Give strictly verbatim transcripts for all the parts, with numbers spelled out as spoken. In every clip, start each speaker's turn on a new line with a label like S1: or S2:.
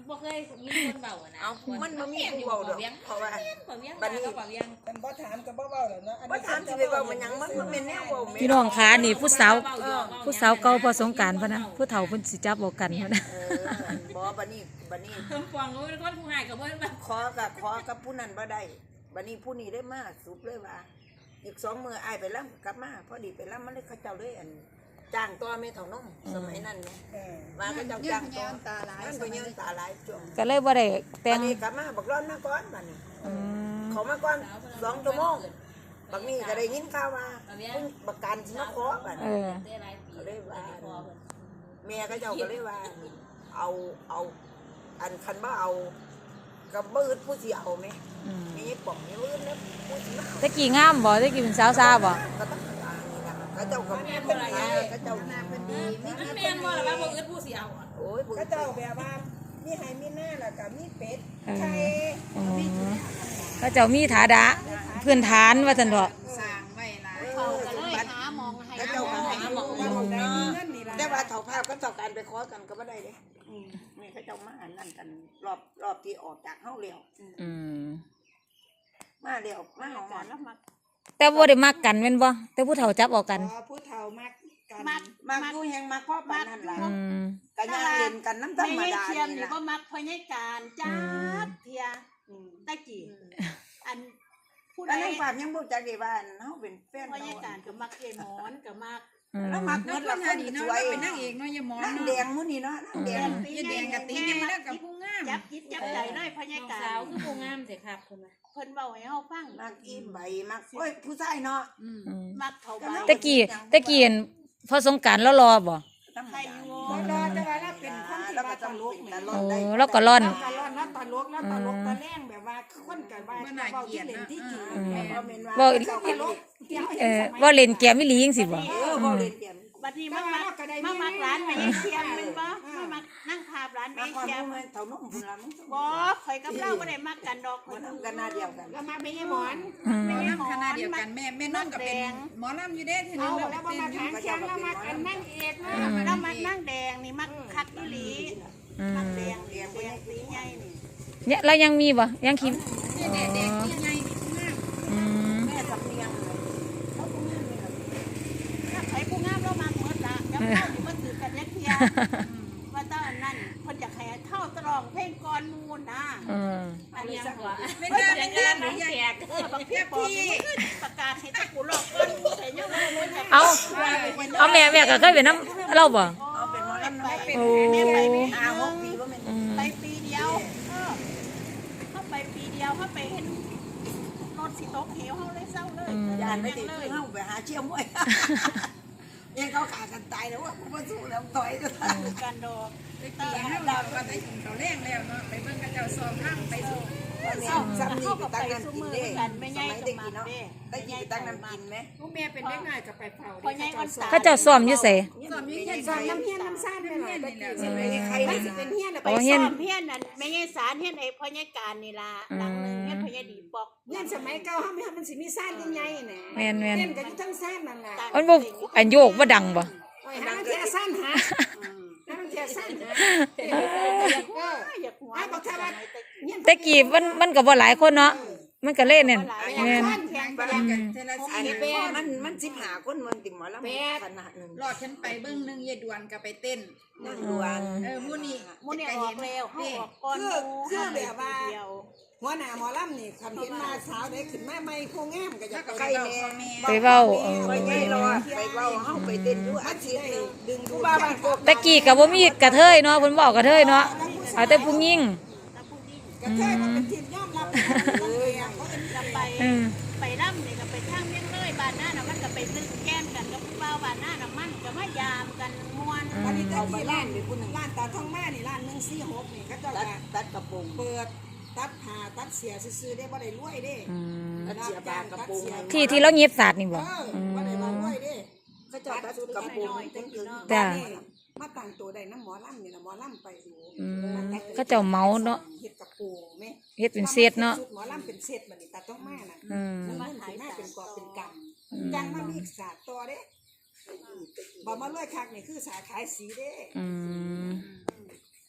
S1: บ่เคยมีคนเบานะ
S2: เอามันบ่มีผู้เบาดอกเพราะว่าบัดนี้
S3: กันบ่ถามก็บ่เว้าแล้วเนาะ
S2: บ่ถามสิไปเว้ามันหยังมันมันเป็นแนวเว้าแม่
S4: พี่น้องขานี่ผู้สาวผู้สาวเก่าพอสงกรานต์พะนะผู้เฒ่าเพิ่นสิจับเอากันพะนะ
S2: เออบ่บัดนี้บัดนี้
S1: เพิ่นฟังว่าเป็นคนผู้หายก็บ่แบบ
S2: ขอกับขอกับผู้นั้นบ่ได้บัดนี้ผู้นี้ได้มาสุบเลยว่าอีกสองมื้ออ้ายไปล่ำกลับมาพอดีไปล่ำมันเลยเขาเจ้าเลยอันจ้างตัวแม่เฒ่านมสมัยนั้นแม่ว่าเขาเจ้าจ้างตัวตาหลายมันก็ยืนตาหลายช่วง
S4: ก็เลยบ่ได้แต่ง
S2: บัดนี้กลับมาบักร้อนมาก่อนบัดนี้เขามาก่อนสองชั่วโมงบักนี้ก็ได้ยินข่าวว่าเพิ่นประกันสิมาขอบัดนี้ก็เลยว่าแม่เขาเจ้าก็เลยว่าเอาเอาอันคันบ่เอาก็บ่อึดผู้สิเอาแม่มีป่องมีมืดแล้วผู้สิมา
S4: ตะกี้งามบ่ตะกี้เป็นสาวซาบ่
S2: ก็ต้องการนี่ล่ะเขาเจ้าก็แม่เป็นหลายเขาเจ้าหน้าเพิ่นดีมี
S1: แม่นบ่ล่ะว่าบ่อึดผู้สิเอา
S2: โอ้ย
S3: ก็เจ้าแบบว่ามีไห้มีหน้าแล้วก็มีเป็ดไข่
S4: เขาเจ้ามีฐานะพื้นฐานว่าซั่นเถาะ
S1: สร้างไว้หลาย
S2: เขาก็เลยหามองให้เขาเจ้าก็หามองเนาะแต่ว่าเฒ่าภาพก็เจ้าการไปขอกันก็บ่ได้เด้อืมนี่เขาเจ้ามาอันนั้นกันรอบรอบที่ออกจากเฮาแล้ว
S4: อืม
S2: มาแล้วมาหอมแล้วมา
S4: แต่บ่ได้มักกันแม่นบ่แต่ผู้เฒ่าจับออกกัน
S3: ผู้เฒ่ามักกัน
S2: มักมักอยู่แห่งมักพ่อปานนั่นล่ะ
S4: อืม
S2: ก็ย่างเล่นกันน้ำธรรมดานี่ล่ะ
S5: บ่มักพญาการจักเที่ยตะกี้อันผู้ใด
S2: แล้วฝากยังบ่จักได้ว่าเฮาเป็นแฟน
S5: พญาการก็มักเกหมอนก็มัก
S2: แล้วมักหมดละคนสวย
S1: เป็นนางเอกเนาะยายหมอน
S2: นางแดงมื้อนี้เนาะนางแดง
S1: ยายแดงกับตีใหญ่แล้วกับผู้งาม
S5: จับจิตจับใจเลยพญาการ
S1: สาวคือผู้งามสิครับเพิ่นว่า
S5: เพิ่นเว้าให้เฮาฟัง
S2: มักอิ่มใบมักโอ้ยผู้ชายเนาะ
S4: อืม
S5: มักเข้าไป
S4: ตะกี้ตะกี้พอสงกรานต์แล้วรอบ่
S5: ใครอยู่
S3: รอแต่ว่าเราเป็นคนที่ว่าตลกนี่
S4: โอ้แล้วก็ร่อน
S3: ตลกแล้วตลกแล้วตลกตะแรงแบบว่าคนกันว่าเว้าที่เล่นที่จริง
S2: บ่แม่นว่า
S4: บ่
S3: ตลก
S4: เอ่อบ่เล่นแกมอีหลีจังซี่บ่
S2: เออบ่เล่นเกม
S5: บัดนี้มามักมามักร้านแม่เชียมแม่นบ่มามักนั่งภาพร้าน
S2: มา
S5: แม่
S2: ความ
S5: เชียม
S2: รู้เฒ่านมพุ่นล่ะมึง
S5: บ่ข่อยกับเราบ่ได้มักกันดอก
S2: บ่นำกันหน้าเดียวกัน
S3: แล้วมาไม่ใช่หมอน
S1: หมอลำคณะเดียวกันแม่แม่น้องก็เป็นหมอลำอยู่เด้ที
S3: เอา
S1: นึง
S3: แล้วมามาทางเชียงแล้วมากันนั่งเอกนะ
S5: แล้วมักนั่งแดงนี่มักคักอีหลี
S4: อืม
S5: มักแดงแดงแดงสีใหญ่นี่
S4: เนี่ยเรายังมีบ่ยังคิม
S1: เนี่ยแดงแดงที่ใหญ่นี่ผู้งาม
S4: อืม
S2: แม่สำเนียงเลยเขาผู้งามนี่ล่ะ
S5: ถ้าใครผู้งามเรามาหมดละแล้วเฮานี่มาถือกันยักเที่ยว่าตอนนั้นเพิ่นอยากให้เท่าตรองเพลงก่อนมูลนะ
S4: อืม
S5: อันนี้กว่า
S1: เป็นงานเป็นงานหรือใหญ่
S5: เออบางทีบอกประกาศให้ตะกูหลอกก่อนมูแต่ยังบ่รู้จัก
S4: เอาเอาแม่แม่ก็เคยเป็นน้ำเราบ่
S2: เอาเป็นหมอลำไป
S4: โอ้
S5: แม่ไปไม่
S2: ห้าหกปีบ่แม่น
S4: อืม
S5: ไปปีเดียวเออเขาไปปีเดียวเขาไปเห็นรถสิตกเหวเขาเลยเศร้าเลย
S2: ยานไม่ติดเฮาไปหาเชี่ยวมวยยังเขาขากันตายแล้วว่ากูบ่สู้แล้วต่อยกัน
S5: การดอก
S1: ไปตีให้เราก็ได้กินข้าวแรงแล้วเนาะไปเบิ่งกระเจ้าซอมข้างไปสู่
S2: เนี่ยซ้ำนี่ไปตั้งน้ำกินเด้สมัยได้กินเนาะได้กินไปตั้งน้ำกินไหม
S1: ผู้แม่เป็นเด็กน้อยก็ไปเผา
S5: พอใหญ่วันสา
S4: เขาเจ้าซ้อมอยู่ไส
S1: ซอมอยู่เฮ็ด
S3: สอนน้ำเฮียนน้ำซ่านไปหน่อยตะกี้สิใครสิเป็นเฮียน
S5: ไปซ้อมเฮียนนั่นไม่ใช่สารเฮียนไอ้พ่อใหญ่การนี่ล่ะหลังนึงเฮียนพ่อใหญ่ดีปอก
S3: เฮียนสมัยเก่าเฮามันสิมีซ่านใหญ่ๆน่ะ
S4: แม่นแม่น
S3: เล่นกันอยู่ทั้งซ่านนั่นล่ะ
S4: มันบ่อันโยกบ่ดังบ่
S3: โอ้ยหาแค่ซ่านหานั่นแค่ซ่านหา
S5: อยากหัว
S3: ไอ้บอกถ้าว่า
S4: แต่กี้มันมันก็บ่หลายคนเนาะมันก็เล่นนั่นแม่น
S1: แข่งกันเทละ
S2: อัน
S1: สี่
S2: นี้มันมันสิบห้าคนมันติ่มหมอลำขนาดนึง
S1: รอดฉันไปเบิ่งนึงยายดวนก็ไปเต้น
S2: นั่งดวน
S1: เออมื้อนี้
S5: มูนี่ออกแล้วเขาออกก่อนเดียว
S3: หัวหน้าหมอลำนี่คันเห็นมาสาวได้ขึ้นมาใหม่ผู้งามก็อยาก
S2: ใคร
S3: ไป
S2: แน่
S4: ไปเว้าเออ
S2: ไปไงรอไปเว้าเฮาไปเต้นอยู่อาชีพดึงดูบ้าบ้านโก
S4: ตะกี้ก็บ่มีกระเทยเนาะเพิ่นบอกกระเทยเนาะเอาแต่ผู้หญิง
S3: กระเทยมันเป็นทีมยอมรับเลยเขาเป็น
S5: จะไป
S4: อืม
S5: ไปร่ำนี่ก็ไปทางเมียงเลยบ้านหน้าน่ะมันก็ไปซื้อแก้มกันกับผู้บ่าวบ้านหน้าน่ะมันก็มายามกันม่วน
S3: วันนี้ก็ที่ร้านร้านตาทองแม่นี่ร้านหนึ่งสี่หกนี่เขาจะ
S2: ตัดตัดกระโปรง
S3: เปิดตัดผ้าตัดเสียซื้อได้บ่ได้รวยเด้
S4: อืม
S2: ตัดเสียบากระโปรง
S4: ที่ที่เราเงียบสาดนี่บ่
S3: เออบ่ได้รวยเด้
S2: เขาเจ้าตัดกระโปรงถึงถึง
S4: จ้ะ
S3: มาตั้งตัวได้น้ำหมอลำนี่นะหมอลำไปดู
S4: อืมเขาเจ้าเมาเนาะ
S3: เฮ็ดกระโปรงแม่
S4: เฮ็ดเป็นเศษเนาะ
S3: หมอลำเป็นเศษบัดนี้ตาต้องแม่น่ะ
S4: อืม
S3: มันมันสิมาเป็นกอบเป็นกำจังมามีศาสตร์ต่อเด้บ่มารวยคักนี่คือสาขายสีเด้
S4: อืม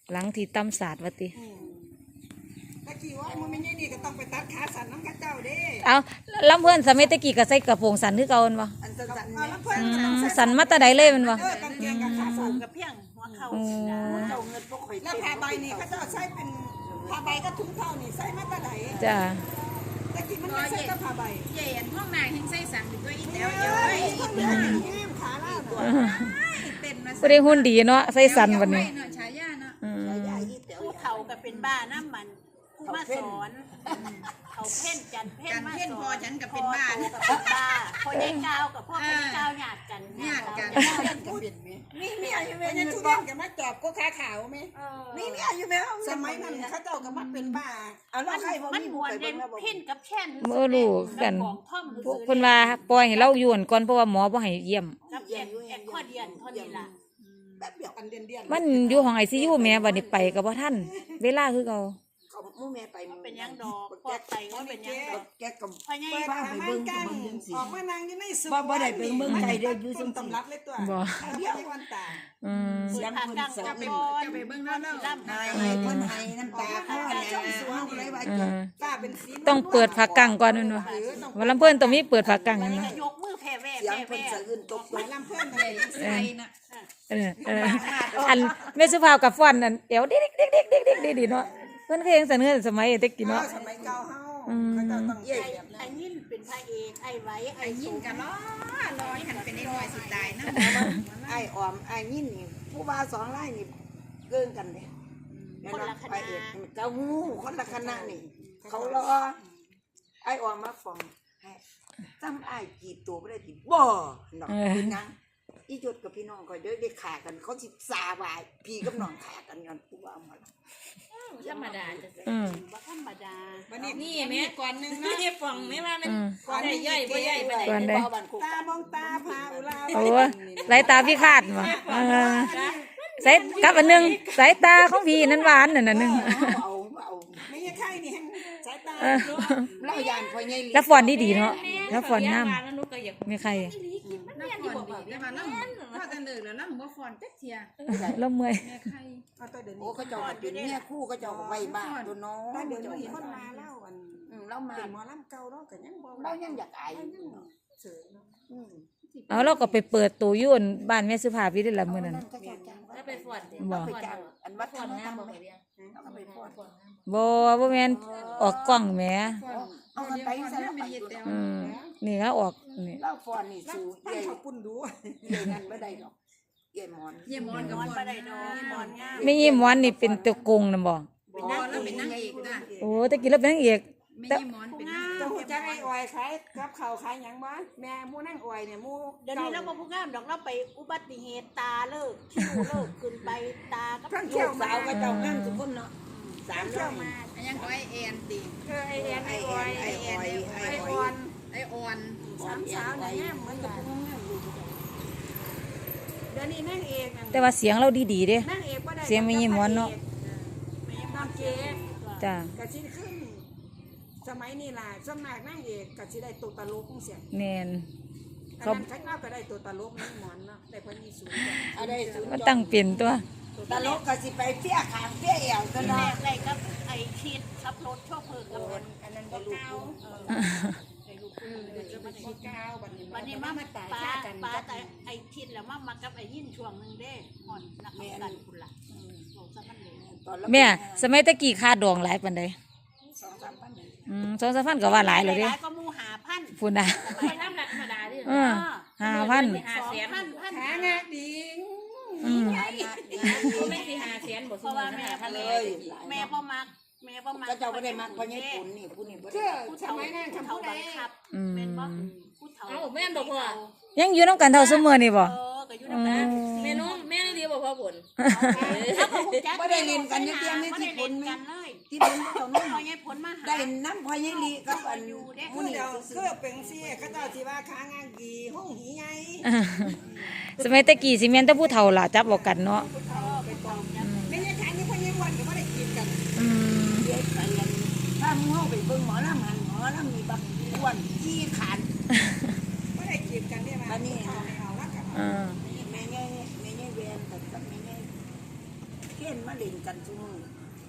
S4: หลังที่ตำศาสตร์ว่าติ
S3: ตะกี้ว่ามันไม่ใช่นี่ก็ต้องไปตัดขาสันน้ำข้าเจ้าเด้
S4: เอาลำเพิ่นสมัยตะกี้ก็ใส่กระโปรงสั้นคือเก่าแม่นบ่
S2: อันสันๆ
S3: เอา
S2: เนี่ย
S3: แล้วเพิ่น
S4: อืมสั้นมาแต่ใดเลยแม่นบ่
S3: เออกางเกงกับขาสัน
S5: กับเพียงหัวเข่า
S4: อืม
S2: เจ้าเงินพวกข่อย
S3: แล้วผ้าใบนี่เขาเจ้าใช้เป็นผ้าใบก็ถุงเท้านี่ใส่มาตะได
S4: จ้า
S3: ตะกี้มันไม่ใช่ก็ผ้าใบ
S1: เย็นห้องนางแห่งไส้สั่งเป็นตัวอีแต๋ว
S3: เอ้
S1: เอ้
S3: ย
S1: ย
S3: คนเดียวนี่แง้มขาล่าตัว
S1: เป็นมา
S4: บ่ได้หุ่นดีเนาะใส่สั้นบัดนี้
S1: เนาะฉายาเนาะ
S4: อืม
S2: ยายที่เต๋ว
S5: ผู้เฒ่าก็เป็นบ้าน้ำมันผู้มาสอนเขาเพ่นจันเพ่น
S1: การ
S5: มา
S1: เพ่น
S5: ส
S1: พ
S5: อ
S1: อน ฉันกับเป็นบ้าน
S5: พ่อโตกับเป็นบ้าพ่อยายกาวกับพ่อเป็นกาวหยาดกัน
S1: ญาติกัน
S3: มีมีอายุไหมเนี่ยทุเรียนกับมาจอบก็ขาขาวไหม
S2: มี
S3: มี
S2: มี
S3: มี
S2: อายุไหม
S3: สมัยนั้นเขาเจ้าก็มาเป็นบ้า
S2: เอาแล้วใครบ่
S5: มัน
S2: มี
S5: ม
S2: ผู้
S5: วน
S2: ไป
S5: เด่
S2: เบิ่
S5: น
S2: งแล้วบ่
S5: เพ่นกับแช่น
S4: บ่รู้กัน
S5: ของท่อม
S4: พวกเพิ่นว่าปล่อยให้เราอยู่ก่อนเพราะว่าหมอบ่ให้เยี่ยม
S5: กับแอนแอนข้อเดียนเท่านี้ล่ะ
S3: แบบเดียวกันเดียนเดียน
S4: มันอยู่ห้อง ไอ ซี ยู แม่บัดนี้ไปก็บ่ทันเวลาคือเก่า
S2: เขามู่แม่ไป
S5: มันเป็นยังดอกพ่อไปก็เป็นยังดอก
S2: แกกับ
S5: พ่อใหญ่
S3: เปิด
S2: ฟ้า
S3: ขา
S2: ไป
S3: มั
S2: เบิ่
S3: น
S2: ง
S3: กั
S2: กับ
S3: น
S2: เบิ่งจังซี่
S3: ออกมานางอยู่ในสุ
S2: บ่บ่ได้ไปเบิ่งไกลเด้ออยู่จังซี่
S3: ตำรับเลยตัว
S4: บ่
S3: เดียววันตา
S4: อืม
S2: เสียง
S5: ผ่า
S2: เพิ่น
S5: กลาง
S2: สะ
S5: จะ
S2: อื้
S5: เป็น
S2: น
S1: จะไปเบิ่งแล้วเนาะ
S5: ล่ำ
S2: นายเพิ่นให้น้ำตาพ่อเนี่ยเฮาเลยว่า
S4: เอ
S2: จะ
S4: อ
S3: ตาเป็นสี
S4: ต้องเปิดฝากังก่อนแม่นบ่ว่าลำเพิ่นต้องมีเปิดฝากัง
S5: มั
S4: แม่
S5: น
S4: นบ่
S5: ก็ยกมือแผ่แว่
S2: เสียง
S5: แผ่
S2: เพิ่น
S5: แว่
S2: สะอื้นตก
S3: ห
S2: ล
S3: ลาย
S2: ง
S3: ลำเพื่อนเลย
S1: ใส่น่ะ
S4: เออเอออันแม่สุภาพกับฟ้อนนั่นเดี๋ยวเด็กๆๆๆๆๆเนาะเพิ่นเคยเห็นเสนอสมัยเด็กกินเนาะ
S3: สมัยเก่าเฮาเขาจะต้อง
S2: เย่
S5: ไอ้ไอ้ยินเป็นพระเอกไอ้ไว้ไอ้
S1: ไอ้ยิ
S5: ยิ
S1: น
S5: น
S1: กั
S5: กัน น
S1: ล้อลอยหันเป็นไอ้ลอยสิตายนะ
S2: ไอ้ออมไอ้ยินนี่ผู้บ่าวสองรายนี่เกินกันเด้แม่นบ่ไปเอกเจ้าฮู้คนละคณะนี่เขารอไอ้ออมมาฟ้องให้จำไอ้กี่ตัวบ่ได้ติบ่เนาะพี่นางอีจดกับพี่น้องก็เด้ได้ขากันเขาสิสาบายพี่กับน้องขากันย้อนผู้บ่าวมา
S6: ธรรมดาจะ
S4: อืม
S5: บ่ธรรมดา
S3: วันนี้
S6: นี่แม่
S3: ก่อนหนึง
S6: ไม่
S3: นะ
S6: ได้ฟังแม่ว่ามัน
S4: อืม
S6: ก่อนได้ย่อยบ่ย่อยไปไหน
S4: ก่อนได้
S3: ตามองตาพาอุลา
S4: โอ้สายตาพี่คาดบ่เออสายกับอันหนึงสายตาของพี่นั้นหวานนั่นน่ะหนึง
S2: เอาเอา
S3: ไม่ใช่ไข่นี่สายตา
S4: เออ
S2: เล่ายานพ่อใหญ่
S4: แล้วฟ้อนดีๆเนาะแล้วฟ้อนงาม
S6: แล้วนุกก็อยาก
S4: มีใคร
S1: น้ำฟอนดีได้มาล่ำถ้าจะเลิกแล้วล่ำบ่ฟอนจักเทีย
S4: แล้วเมื่อย
S1: แม่ไข่
S3: เอาตัวเดี๋ยว
S2: โอ้
S3: นี้
S2: เขาเจ้าก็เป็นเนี่ยคู่เขาเจ้าก็ไว้บ้านตัวน้อง
S3: ถ้าเดี๋ยว
S2: เจ้า
S3: นี้
S2: เห็น
S3: คนมาเล่าอัน
S2: อืมเรามา
S3: เป็นหมอลำเก่าเนาะก็ยังบ่
S2: เรายังอยากอายอยู่
S3: เสยเนาะ
S2: อืม
S4: เอาเราก็ไปเปิดตู้อยู่อั่นบ้านแม่สุภาพอยู่ได้ละมื้อนั้น
S2: เขาเจ้าจ้าง
S6: แล้วไปฟอนเด้
S4: บ่
S2: ไปจ้างอันวัด
S6: ฟอน
S2: ทำ
S6: งาม
S2: ทำ
S6: บ่
S2: ไป
S6: เรียง
S2: เราก็ไปฟ้อน
S4: บ่บ่แม่นออกกล้องแหม
S1: ฟอน
S2: เอากันไปซะแล้ว
S1: ไม่
S2: ไป
S1: เฮ็ด
S2: ตัว
S1: แต่
S4: อืมนี่ก็ออกนี่
S2: เราฟ้อนนี่สู่
S3: ตั้ง
S2: เย่
S3: เขาปุ่นดู
S2: เย่นั่นไม่ได้ดอกเย่หมอน
S1: เยี่ยมอนกับ
S5: มอน
S1: ฟ
S5: บ่
S1: อน
S5: ได้ดอกมอนงาม
S4: ไม่ยิ้มหวานนี่เป็นตัวกงน่ะบ่
S1: เป็นนางแล้วเป็นนางเอกนะ
S4: โอ้ตะกี้เราเป็นนางเอก
S1: ไม่ยิ้มอนเป็นนาง
S3: เจ้าหูจักไอ้ออยขายกับข้าวขายหยังบ่แม่หมู่นั่งออยเนี่ยหมู่
S5: เดี๋ยวนี้เราบ่ผู้งามดอกเราไปอุบัติเหตุตาเลิกคิ้วเลิกขึ้นไปตากับ
S3: ทั้ง
S2: ลู
S3: เที่ยว
S2: ก
S3: มา
S2: สาวก็เจ้างามทุกคนเนาะสาม
S3: เที่
S2: ร้
S3: ย
S2: อ
S3: วย มา
S1: อันยังก็ไอแอนติ
S3: เออไอแอนไอออยไอแอนไอออยไอออน
S1: ไอออน
S3: สามสาวเนี่ยเหมือนกับพวกงามอยู่เดี๋ยวนี้นั่งเอกนั่น
S4: แต่ว่าเสียงเราดีๆเด้
S3: นั่งเอกบ่ได้
S4: เสียงไม่ยิ้มหวานเนาะ
S3: น้องเจ๊
S4: จ้า
S3: ก็สิขึ้น สมัยนี้ล่ะสวนมากนั่งเอกก็สิได้ตัวตลกจังซี่
S4: แม่น
S3: อันนั้นข้างนอกก็ได้ตัวตลกนี่หมอนเนาะได้พอมีสูงจ้ะ
S2: อะไรศูนย์
S4: มันตั้งเปลี่ยนตัว
S2: ตลกก็สิไปเปี้ยขางเปี้ยเอวกัน
S5: แร
S2: เนาะ
S5: กไรกับไอ้คิดขับรถโชคเพิ่นกับมัน
S2: อันนั้นก็ลูก
S5: ไอ้ลูก
S3: เออเดี๋ยวจะมาชี้ก้าวบัดนี้
S5: วันนี้มา
S3: มาตาย
S5: ป้า
S3: ฆ่ากัน
S5: ป้าแต่ไอ้คิดแล้วมามากับไอ้ยินช่วงนึงเด้ห่อนนักกันคุณล่ะบอกซะมันเลย
S2: ตอนเรา
S4: แม่สมัยตะกี้ค่าดองหลายปานใด
S2: สองสามพัน
S4: อืมสองสามพันก็ว่าหลายแล้วเด้
S5: ก็มูหาพัน
S4: พุ่นน่ะ
S6: ไปทำธรรมดาดิ
S4: เออห้าพัน
S6: ห้าแสน
S5: พันพัน
S3: หางาดิง
S4: อืม
S6: ก็ไม่สิห้าแสนบ่
S5: เพ
S6: ซุ
S5: ราะ
S6: มื้
S5: ว่า
S6: อ
S5: แม่
S6: นะ
S5: พัน
S2: เล
S5: เลย ยแม่บ่มักแม่บ่มัก
S2: ก็เจ้าก็ได้มาเพราะญี่ปุ่นนี่ผู้นี่บ่
S3: เชื่
S2: ได้
S3: อ
S5: ผู้
S3: ส
S5: เฒ่า
S3: มัยนั้นคำ
S5: ผู้
S3: พูดใด
S5: บังคับ
S4: อืม
S5: แม่นบ่ผู้เฒ่า
S6: เอ้าแม่นบ่พ่อ
S4: ยังอยู่นำกันเท่าซุมื้อนี่บ่
S5: เออก็อยู่นำกัน
S6: แม่น้องแม่ได้ดีบ่พ่อผล
S5: เขาก็ฮู้จัก
S2: บ่ได้เรียนกันอยู่เพียงใน
S5: บ่
S2: ที่
S5: ได้
S2: ปุ่
S5: เล่
S2: น
S5: น
S2: แม่
S5: กันเลย
S2: ที่ปุ่นบ่ต้อง
S5: พ
S2: นั่
S5: อน ยายผลมาหา
S2: ได้น้ำพ่อใหญ่ลีกับอัน
S3: พูดเดียวคือเป็นซี่เขาเจ้าสิว่าขางานดีห้องหีไง
S4: สมัยตะกี้สิแม่นแต่ผู้เฒ่าล่ะจับเอากันเนาะ
S3: ไม่ใช่ขายนี่พ่อยังวันก็ไม่ได้กินกัน
S4: อืม
S2: เด็กไปอันถ้ามึงเฮาไปเบิ่งหมอลำหันหมอลำมีบักอ้วนขี้ขัน
S3: ไม่ได้กินกันเนี่ยมาเอาเอาละกัน
S4: อ่า
S2: แม่ใหญ่แม่ใหญ่เวียนกับกับแม่ใหญ่เขียนมาเล่นกัน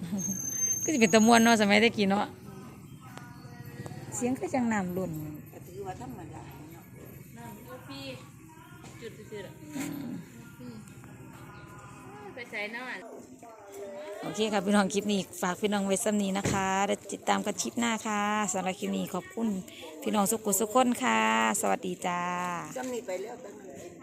S4: ก็จะเป็นตะมวนเนาะสมัยตะกี้เนาะเสียงก็จังน้ำลุ่น
S2: ก็ถือว่าธรรมดาเนาะ
S6: น้ำกาแฟจุดจุดอ่ะไปใส่น้ำ
S4: โอเคค่ะพี่น้องคลิปนี้ฝากพี่น้องไว้ซ้ำนี้นะคะแล้วติดตามกันคลิปหน้าค่ะสำหรับคลิปนี้ขอบคุณพี่น้องสุขุสุขคนค่ะ สวัสดีจ้า
S2: จำนี่ไปแล้วตั้งนั้น